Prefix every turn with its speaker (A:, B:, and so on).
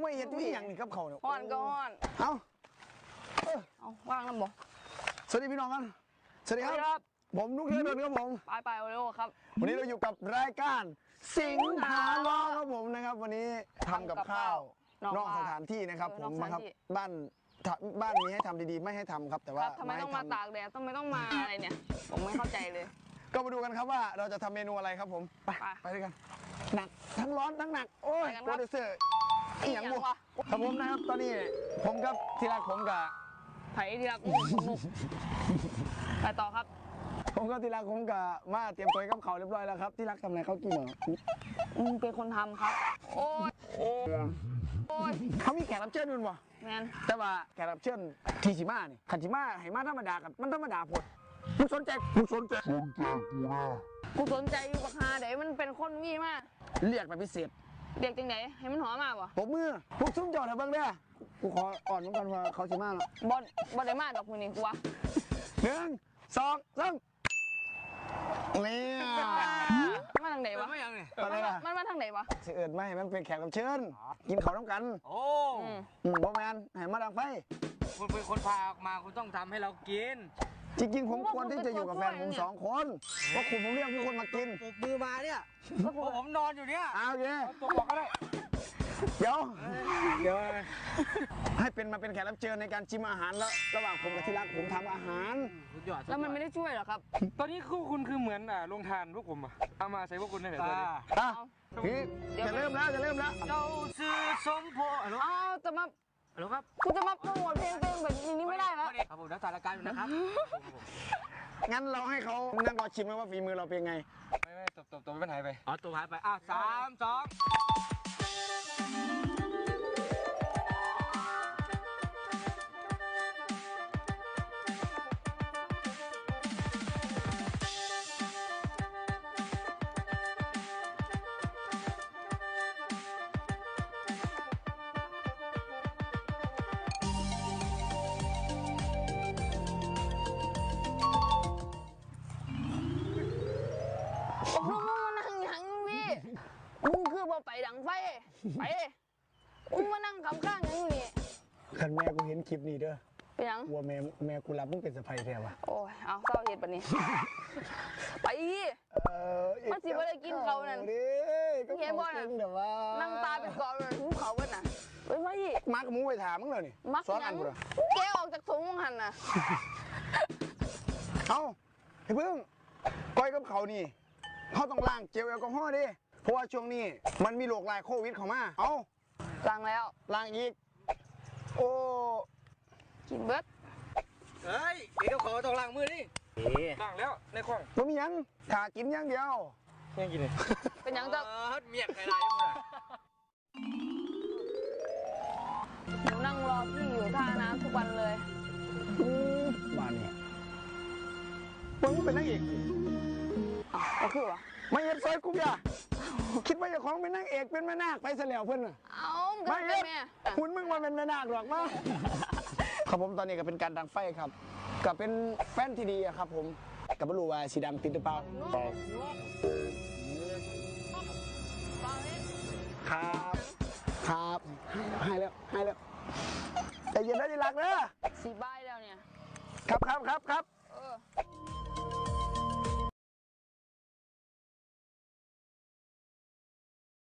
A: ไม่เห็นที่อย่างนี้กับเขาเนี่ย
B: ฮ้อนก็ฮ้อน
A: เอา
B: ว่างแล้วบ่
A: สวัสดีพี่น้องกันสวัสดีครับผมนุ๊กเทพดลครับผม
B: ไปโอเร็วครับ
A: วันนี้เราอยู่กับรายการสิงหาล้อครับผมนะครับวันนี้ทำกับข้าวนอกสถานที่นะครับผมนะครับบ้านนี้ให้ทำดีๆไม่ให้ทำครับแต่ว่า
B: ทำไมต้องมาตากแดดทำไมต้องมาอะไรเนี่ยผมไม่เข้าใจเลย
A: ก็มาดูกันครับว่าเราจะทำเมนูอะไรครับผมไปด้วยกันหนักทั้งร้อนทั้งหนักโอ้ยโปรดิวเซอร์อีหยังบุครับผมนะครับตอนนี้ผมกับที่รักผมกับ
B: ไผ่ที่รักนุกไปต่อครับ
A: ผมก็ที่รักผมกับมาเตรียมตัวกับเขาเรียบร้อยแล้วครับที่รักทำอะไรเขากินเหรอ
B: เป็นคนทำครับโอ้ย
A: เขามีแขกรับเชิญด้วยวะแต่ว่าแขกรับเชิญทีชิมานี่ขันชิมาให้มาธรรมดากันมันธรรมดาผดกูสนใจ
B: กูสนใจอยู่กับฮาเดี๋ยวมันเป็นคนมีมาก
A: เรียกแบบพิเศษ
B: เรียกจังไหนให้มันหอมมากวะ
A: ผมมือพวกซุ้มจอดเถอะบ้างเด้อกูขออ่อนเหมือนกันว่าเขาชิมาหร
B: อบอได้มากดอกมือนี่กูวะ
A: 1 2 3เนี่ย
B: มาทางไหนวะมันมาทางไหนวะ
A: เสือไม่มันเป็นแขกรับเชิญกินเขาต้องกัน
C: โอ้
A: บอแมนให้มาดังไฟ
C: คุณเป็นคนพาออกมาคุณต้องทำให้เรากิน
A: จริงๆผมควรที่จะอยู่กับแฟนผม2 คนเพราะคุณผมเรียกทุกคนมากิน
C: มือมาเนี่ยผมนอนอยู่เนี่ย
A: โอเค
C: ตัวบอกก็ได้
A: เดี๋ยวให้เป็นมาเป็นแขกรับเชิญในการชิมอาหารแล้วระหว่างผมกับที่รักผมทำอาหาร
B: แล้วมันไม่ได้ช่วยหรอครับ
C: ตอนนี้คุณคือเหมือนลงทานพวกผมเอามาใส่พวกคุณได้ไหม
A: พี่จะเริ่มแล้ว
C: เราซื้อสมโพ
B: จะมา
C: หรอครับ
B: กูจะมาโปรโมทเพลงแบบนี้ไม่ได้แล้ว
C: ครับผมนักสารการอยู่นะครับ
A: งั้นเราให้เขานั่งรอชิมว่าฝีมือเราเป็นไง
C: ไม่ตัวไม่หายไปตัวหายไป3 2
B: มึงคือบ่ไปดังไฟไปมึงมานั่งคำข้างอย่างนี้
A: คันแม่กูเห็นคลิปนี้เด้อ
B: เป็นยัง
A: วัวแม่กูรับมึงเป็นสะใภ้แท้วะ
B: โอ้ยเอาเศร้าเหตุแบบนี้ไปมันสิบ่ได้กินเขานั่นเห็นบ่น่ะนั่งตาเป็นกอเลยหูเขาเบิดน่ะไปไหม
A: มักมึงไปถามมึงเลยนี่
B: ซ้อนอันกูแกออกจากถุงมึงหันน่ะ
A: เอาไอ้เพิ่งก้อยกับเขานี่เขาต้องล้างเจลแอลกอฮอล์ดิเพราะว่าช่วงนี้มันมีโรคลายโควิดเข้ามาเอา
B: ล้างแล้ว
A: ล้างอีกโอ้
B: กินเบิด
C: เฮ้ยเดี๋ยวขอต้องล้างมือดิล้างแล้วในคลอง
A: บ่มียังถ้ากินอย่างเดียว
C: ยังกินเลย
B: เป็นยังจะ
C: เมียกใครได้ยังไง
B: หนูนั่งรอพี่อยู่ท่าน้ำทุกวันเลย
A: บ้านนี่มึงเป็นนักเอก
B: ก็คือวะ
A: ไม่เห็นซอยกูอย่าคิดว่าจะของเป็นนางเอกเป็นแม่นาคไปเสียแล้วเพื่อน
B: ไม่
A: เอ็ดคุณมึงมาเป็นแม่นาคหรอกมั้งครับผมตอนนี้ก็เป็นการดังไฟครับก็เป็นแฟนที่ดีครับผมกับไม่รู้ว่าสีดังติดหรือเปล่าครับให้แล้วแต่เย็นได้ดีรักเนอะ
B: สีใบแล้วเนี่ย
A: ครับ